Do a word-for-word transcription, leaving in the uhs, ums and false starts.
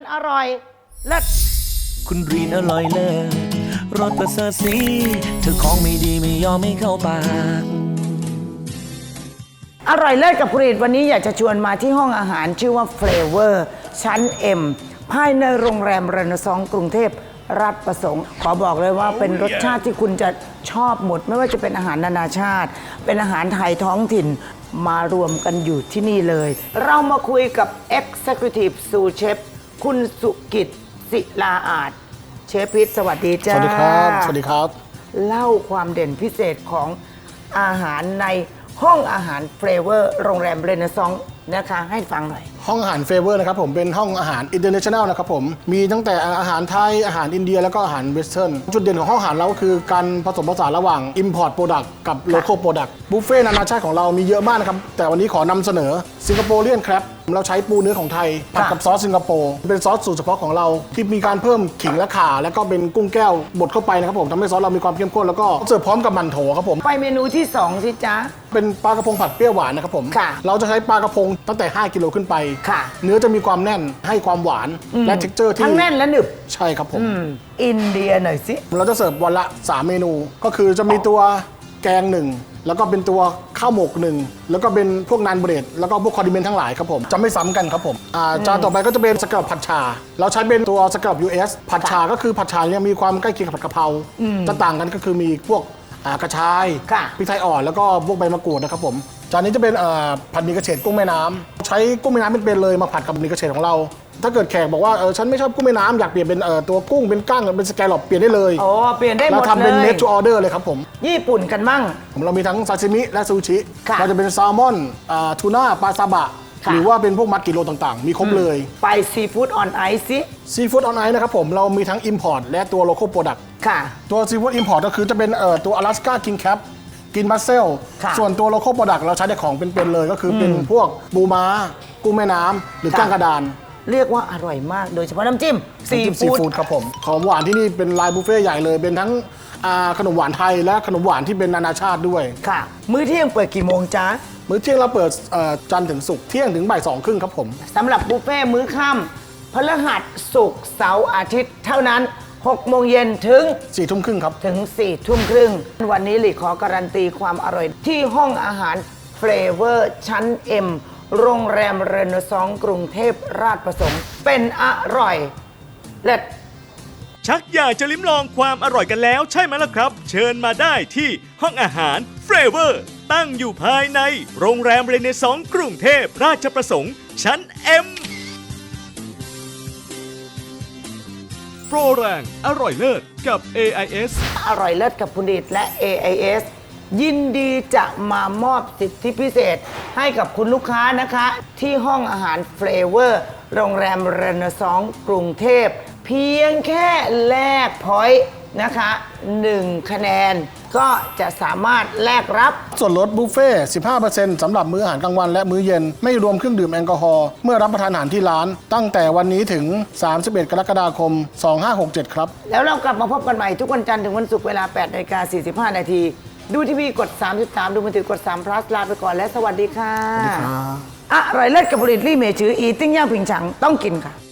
อร่อยเลิศคุณรีนอร่อยเลิศรสประเสริฐสีเธอของไม่ดีไม่ยอมไม่เข้าปากอร่อยเลิศกับผลิตวันนี้อยากจะชวนมาที่ห้องอาหารชื่อว่า Flavor ชั้น M ภายในโรงแรมเรเนซองส์กรุงเทพราชประสงค์ขอบอกเลยว่าเป็นรสชาติที่คุณจะชอบหมดไม่ว่าจะเป็นอาหารนานาชาติ เป็นอาหารไทยท้องถิ่นมารวมกันอยู่ที่นี่เลย เรามาคุยกับ Executive Sous Chef คุณสุกิตศิลาอาจเชฟพิษสวัสดีจ้าสวัสดีครับ สวัสดีครับเล่าความเด่นพิเศษของอาหารในห้องอาหารเฟลเวอร์โรงแรมเรเนซองส์นะคะให้ฟังหน่อยห้องอาหารเฟเวอร์นะครับผมเป็นห้องอาหารอินเตอร์เนชั่นแนลนะครับผมมีตั้งแต่อาหารไทยอาหารอินเดียแล้วก็อาหารเวสเทิร์นจุดเด่นของห้องอาหารเราก็คือการผสมผสานระหว่าง Import Product กับ Local Product บุฟเฟ่ต์นานาชาติของเรามีเยอะมากนะครับแต่วันนี้ขอนำเสนอสิงคโปร์เลียนแครบเราใช้ปูเนื้อของไทยผัดกับซอสสิงคโปร์เป็นซอสสูตรเฉพาะของเราที่มีการเพิ่มขิงและข่าแล้วก็เป็นกุ้งแก้วบดเข้าไปนะครับผมทำให้ซอสเรามีความเข้มข้นแล้วก็เสิร์ฟพร้อมกับหมั่นโถครับผมไปเมนูที่สองสิจ๊ะเป็นปลากระพงผัดเปรี้ยวหวานนะครับผมเราจะใช้ปลากระพงตั้งแต่ห้ากิโลขึ้นไปเนื้อจะมีความแน่นให้ความหวานและเท็กเจอร์ที่ทั้งแน่นและหนึบใช่ครับผมอินเดียหน่อยสิเราจะเสิร์ฟวันละสามเมนูก็คือจะมีตัวแกงหนึ่งแล้วก็เป็นตัวข้าวหมกหนึ่งแล้วก็เป็นพวกนานเบรดแล้วก็พวกคอร์ดิเมนต์ทั้งหลายครับผมจะไม่ซ้ำกันครับผมจานต่อไปก็จะเป็นสกัดผัดชาเราใช้เป็นตัวสกัด ยู เอส ผัดชาก็คือผัดชาเนี่ยมีความใกล้เคียงกับผัดกะเพราจะต่างกันก็คือมีพวกกระชายพริกไทยอ่อนแล้วก็พวกใบมะกรูดนะครับผมจานนี้จะเป็นผัดหมี่กระเฉดกุ้งแม่น้ำใช้กุ้งแม่น้ำเป็นๆเลยมาผัดกับหมี่กระเฉดของเราถ้าเกิดแขกบอกว่าเออฉันไม่ชอบกุ้งแม่น้ำอยากเปลี่ยนเป็นตัวกุ้งเป็นกั้งเป็นสแกลลอปเปลี่ยนได้เลยโอ้เปลี่ยนได้หมดเลยเราทำเป็นเมดทูออเดอร์เลยครับผมญี่ปุ่นกันมั่งเรามีทั้งซาซิมิและซูชิเราจะเป็นแซลมอนทูน่าปลาซาบะหรือว่าเป็นพวกมัดกิโลต่างๆมีครบเลยไปซีฟู้ดออนไอซ์สิซีฟู้ดออนไอซ์นะครับผมเรามีทั้ง Import และตัว Local Product ค่ะตัวซีฟู้ด Import ก็คือจะเป็นตัว Alaska King Crab กินบัสเซลส่วนตัว Local Product เราใช้ในของเป็นๆเลยก็คือเป็นพวกปูม้ากุ้งแม่น้ำหรือก้างกระดานเรียกว่าอร่อยมากโดยเฉพาะน้ำจิ้มซีฟู้ดครับผมของหวานที่นี่เป็นไลน์บุฟเฟ่ใหญ่เลยเป็นทั้งขนมหวานไทยและขนมหวานที่เป็นนานาชาติด้วยค่ะมื้อเที่ยงเปิดกี่โมงจ๊ะมื้อเที่ยงเราเปิดจันทร์ถึงศุกร์เที่ยงถึงบ่ายสองครึ่งครับผมสำหรับบุฟเฟ่มื้อค่ำพฤหัสศุกร์เสาร์อาทิตย์เท่านั้นหกโมงเย็นถึงสี่ทุ่มครึ่งครับถึงสี่ทุ่มครึ่งวันนี้หลีขอการันตีความอร่อยที่ห้องอาหารเฟลเวอร์ชั้น M โรงแรมเรเนซองส์กรุงเทพราชประสงค์เป็นอร่อยเลิศชักอยากจะลิ้มลองความอร่อยกันแล้วใช่ไหมล่ะครับเชิญมาได้ที่ห้องอาหารเฟลเวอร์ตั้งอยู่ภายในโรงแรมเรเนซองส์กรุงเทพราชประสงค์ชั้น M โปรแรงอร่อยเลิศกับ เอ ไอ เอสอร่อยเลิศกับผลิตและ เอ ไอ เอส ยินดีจะมามอบสิทธิพิเศษให้กับคุณลูกค้านะคะที่ห้องอาหารเฟลเวอร์โรงแรมเรเนซองส์กรุงเทพเพียงแค่แลกพอยต์นะคะหนึ่งคะแนนก็จะสามารถแลกรับส่วนลดบุฟเฟ่ สิบห้าเปอร์เซ็นต์ สำหรับมื้ออาหารกลางวันและมื้อเย็นไม่รวมเครื่องดื่มแอลกอฮอล์เมื่อรับประทานอาหารที่ร้านตั้งแต่วันนี้ถึงสามสิบเอ็ดกรกฎาคมสองพันห้าร้อยหกสิบเจ็ดครับแล้วเรากลับมาพบกันใหม่ทุกวันจันทร์ถึงวันศุกร์เวลา แปดนาฬิกาสี่สิบห้านาทีดูทีวีกดสามสิบสามดูมือถือกดสาม plus ลาไปก่อนและสวัสดีค่ะอร่อยเลิศกับผลิตลี่เมชืออีติ้งย่างผิงฉังต้องกินค่ะ